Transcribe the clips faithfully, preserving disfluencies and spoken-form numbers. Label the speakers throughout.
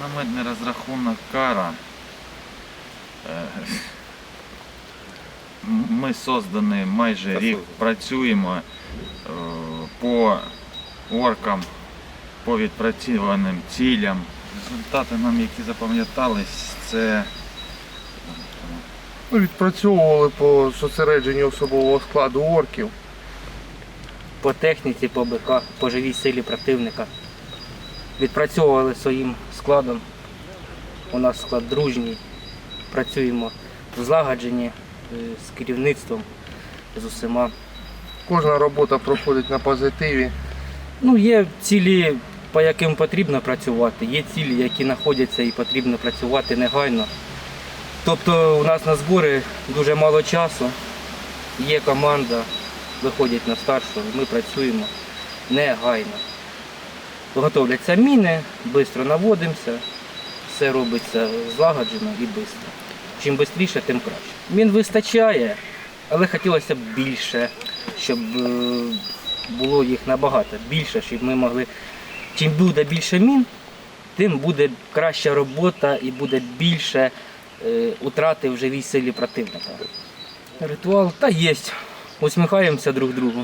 Speaker 1: Мінометний розрахунок «Кара». Ми создані майже рік, працюємо по оркам, по відпрацьованим цілям. Результати нам, які запам'ятались, це
Speaker 2: Ми відпрацьовували по зосередженню особового складу орків.
Speaker 3: По техніці, по БК, по живій силі противника. Відпрацьовували своїм складом. У нас склад дружній. Працюємо злагоджені з керівництвом, з усіма.
Speaker 2: Кожна робота проходить на позитиві.
Speaker 3: Ну, є цілі, по яким потрібно працювати, є цілі, які знаходяться і потрібно працювати негайно. Тобто у нас на збори дуже мало часу, є команда, виходять на старшу, ми працюємо негайно. Готовляться міни, швидко наводимося, все робиться злагоджено і швидко. Чим швидше, тим краще. Мін вистачає, але хотілося б більше, щоб було їх набагато більше, щоб ми могли. Чим буде більше мін, тим буде краща робота і буде більше е, утрати в живій силі противника. Ритуал та є. Усміхаємося друг другу.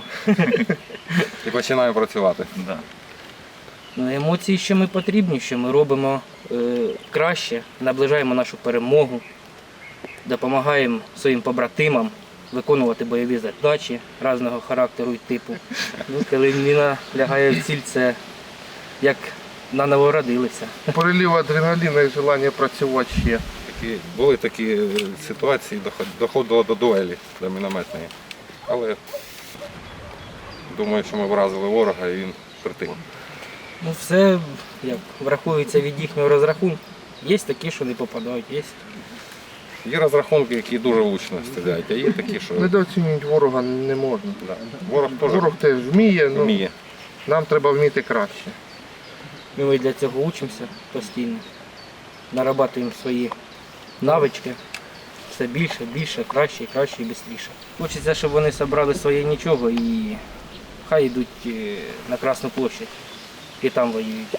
Speaker 4: І починаємо працювати.
Speaker 1: да.
Speaker 3: Ну, емоції, що ми потрібні, що ми робимо е, краще, наближаємо нашу перемогу, допомагаємо своїм побратимам виконувати бойові задачі різного характеру і типу. Ну, коли міна лягає в ціль, це як наново родилися.
Speaker 2: Перелив адреналіну і бажання працювати ще.
Speaker 4: Такі, були такі ситуації, доходило до дуелі, до мінометної. Але думаю, що ми вразили ворога і він притих.
Speaker 3: Ну, все як враховується від їхнього розрахунку. Є такі, що не попадають, є.
Speaker 4: Є розрахунки, які дуже влучно стріляють, а є такі, що
Speaker 2: Недооцінювати ворога не можна.
Speaker 4: да. Ворог теж
Speaker 2: Ворог теж вміє, але
Speaker 4: вміє.
Speaker 2: нам треба вміти краще.
Speaker 3: Ми для цього учимося постійно, нарабатуємо свої навички, все більше, більше, краще, краще і швидше. Хочеться, щоб вони зібрали своє нічого і хай йдуть на Красну площадь і там воюють.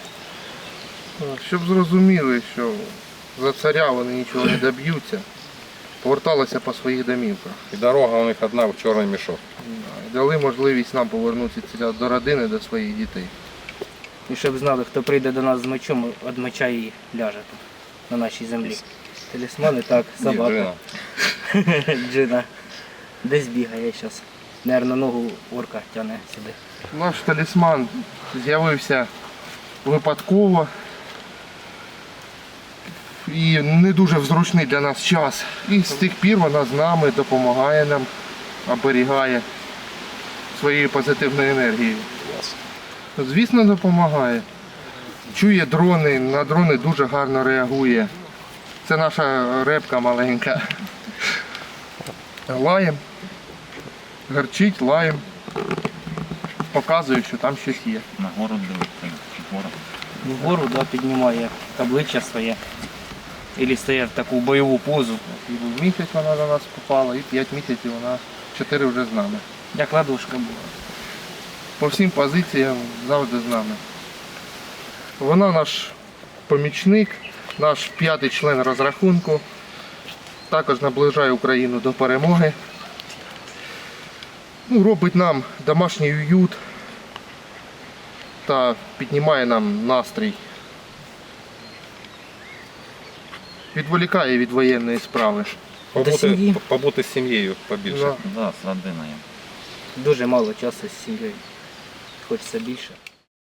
Speaker 2: Щоб зрозуміли, що за царя вони нічого не доб'ються, поверталися по своїх домівках.
Speaker 4: І дорога у них одна в чорний мішок.
Speaker 2: І дали можливість нам повернутися до родини, до своїх дітей.
Speaker 3: І щоб знали, хто прийде до нас з мечом, від меча і ляже тут, на нашій землі. Талісмани, так, собака.
Speaker 4: Джина.
Speaker 3: Джина. Десь бігає зараз. Наверно, ногу орка тягне сюди.
Speaker 2: Наш талісман з'явився випадково і не дуже зручний для нас час. І з тих пір вона з нами допомагає нам, оберігає своєю позитивною енергією. Звісно, допомагає. Чує дрони, на дрони дуже гарно реагує. Це наша репка маленька. Лаєм, гарчить, лаєм. Показує, що там щось є.
Speaker 1: Нагору дивиться, вгору.
Speaker 3: Вгору да, піднімає обличчя своє. Або стає в таку бойову позу.
Speaker 2: І в місяць вона до нас попала, і п'ять місяців вона, чотири вже з нами.
Speaker 3: Як ладошка була.
Speaker 2: По всім позиціям завжди з нами. Вона наш помічник, наш п'ятий член розрахунку. Також наближає Україну до перемоги. Ну, робить нам домашній уют та піднімає нам настрій. Відволікає від воєнної справи.
Speaker 4: Побути,
Speaker 3: сім'ї.
Speaker 4: побути з сім'єю побільше.
Speaker 2: Да.
Speaker 1: Да, з родиною.
Speaker 3: Дуже мало часу з сім'єю. Хочеться більше.